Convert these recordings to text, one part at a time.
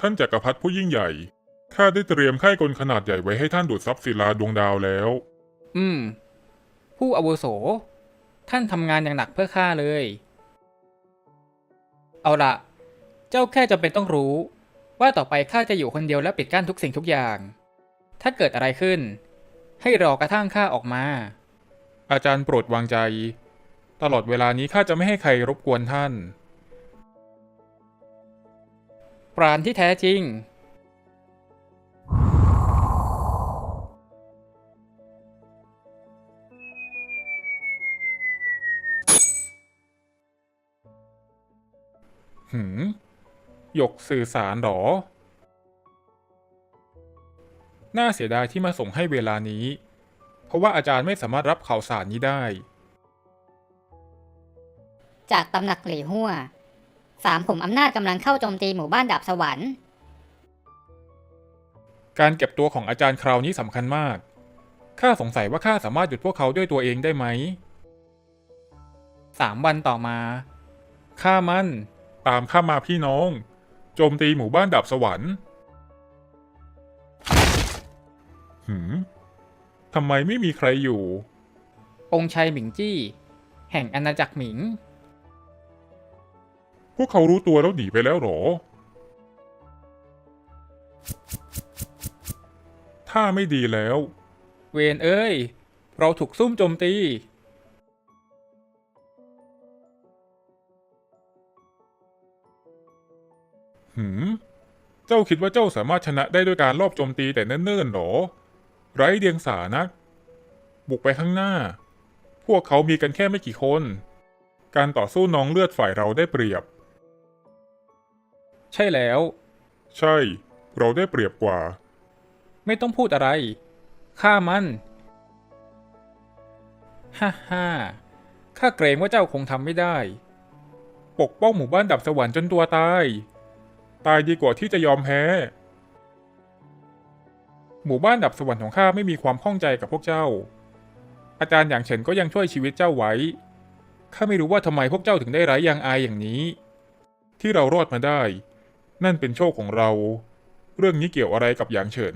ท่านจักรพรรดิผู้ยิ่งใหญ่ข้าได้เตรียมค่ายกลขนาดใหญ่ไว้ให้ท่านดูดซับศิลาดวงดาวแล้วผู้อาวุโสท่านทำงานอย่างหนักเพื่อข้าเลย เอาละเจ้าแค่จำเป็นต้องรู้ว่าต่อไปข้าจะอยู่คนเดียวและปิดกั้นทุกสิ่งทุกอย่าง ถ้าเกิดอะไรขึ้นให้รอกระทั่งข้าออกมาอาจารย์โปรดวางใจตลอดเวลานี้ข้าจะไม่ให้ใครรบกวนท่านปราณที่แท้จริงหยกสื่อสารหรอ น่าเสียดายที่มาส่งให้เวลานี้ เพราะว่าอาจารย์ไม่สามารถรับข่าวสารนี้ได้จากตำหนักหลี่ฮั่วสามขุมอำนาจกำลังเข้าโจมตีหมู่บ้านดาบสวรรค์การเก็บตัวของอาจารย์คราวนี้สำคัญมาก ข้าสงสัยว่าข้าสามารถหยุดพวกเขาด้วยตัวเองได้ไหม 3 วันต่อมาข้ามั่นตามข้ามาพี่น้องโจมตีหมู่บ้านดาบสวรรค์ทำไมไม่มีใครอยู่องค์ชัยหมิงจี้ แห่งอาณาจักรหมิงพวกเขารู้ตัวแล้วหนีไปแล้วหรอ ถ้าไม่ดีแล้วเวนเอ้ยเราถูกซุ่มโจมตีเจ้าคิดว่าเจ้าสามารถชนะได้ด้วยการลอบโจมตีแต่เนิ่นๆหรอ ไร้เดียงสานัก บุกไปข้างหน้า พวกเขามีกันแค่ไม่กี่คน การต่อสู้น้องเลือดฝ่ายเราได้เปรียบใช่แล้วใช่ เราได้เปรียบกว่าไม่ต้องพูดอะไรข้ามันฮ่าข้าเกรงว่าเจ้าคงทำไม่ได้ปกป้องหมู่บ้านดับสวรรค์จนตัวตาย ตายดีกว่าที่จะยอมแพ้ หมู่บ้านดับสวรรค์ของข้าไม่มีความข้องใจกับพวกเจ้า อาจารย์อย่างเฉินก็ยังช่วยชีวิตเจ้าไว้ ข้าไม่รู้ว่าทำไมพวกเจ้าถึงได้ไร้ยางอายอย่างนี้ ที่เรารอดมาได้ นั่นเป็นโชคของเรา เรื่องนี้เกี่ยวอะไรกับหยางเฉิน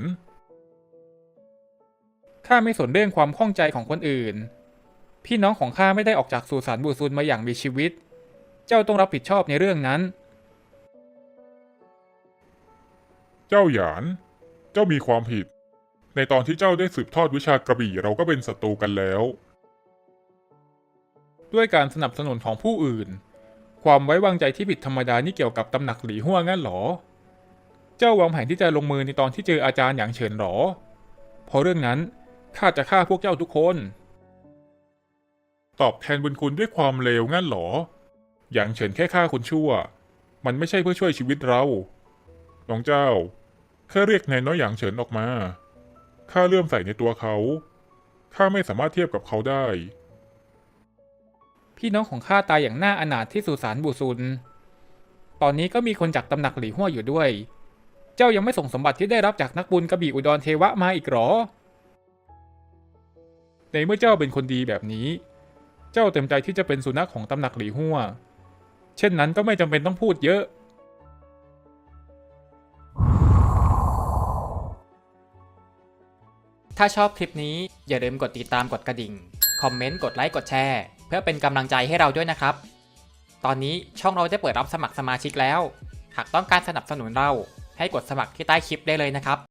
ข้าไม่สนเรื่องความข้องใจของคนอื่น พี่น้องของข้าไม่ได้ออกจากสุสานบูซุนมาอย่างมีชีวิต เจ้าต้องรับผิดชอบในเรื่องนั้นเจ้าหยาน เจ้ามีความผิด ในตอนที่เจ้าได้สืบทอดวิชากระบี่เราก็เป็นศัตรูกันแล้วด้วยการสนับสนุนของผู้อื่น ความไว้วางใจที่ผิดธรรมดานี่เกี่ยวกับตำหนักหลี่ฮั่วงั้นหรอ เจ้าวางแผนที่จะลงมือในตอนที่เจออาจารย์หยางเฉินหรอ เพราะเรื่องนั้นข้าจะฆ่าพวกเจ้าทุกคนตอบแทนบุญคุณด้วยความเลวงั้นหรอ หยางเฉินแค่ฆ่าคนชั่ว มันไม่ใช่เพื่อช่วยชีวิตเรา น้องเจ้า แค่เรียกนายน้อยหยางเฉินออกมา ข้าเลื่อมใสในตัวเขา ข้าไม่สามารถเทียบกับเขาได้พี่น้องของข้าตายอย่างน่าอนาถที่สุสานบูซุน ตอนนี้ก็มีคนจากตำหนักหลี่ฮั่วอยู่ด้วย เจ้ายังไม่ส่งสมบัติที่ได้รับจากนักบุญกระบี่อุดรเทวะมาอีกหรอในเมื่อเจ้าเป็นคนดีแบบนี้ เจ้าเต็มใจที่จะเป็นสุนัขของตำหนักหลี่ฮั่ว เช่นนั้นก็ไม่จำเป็นต้องพูดเยอะถ้าชอบคลิปนี้อย่าลืมกดติดตามกดกระดิ่ง คอมเมนต์ กดไลค์ กดแชร์ เพื่อเป็นกำลังใจให้เราด้วยนะครับ ตอนนี้ช่องเราได้เปิดรับสมัครสมาชิกแล้ว หากต้องการสนับสนุนเราให้กดสมัครที่ใต้คลิปได้เลยนะครับ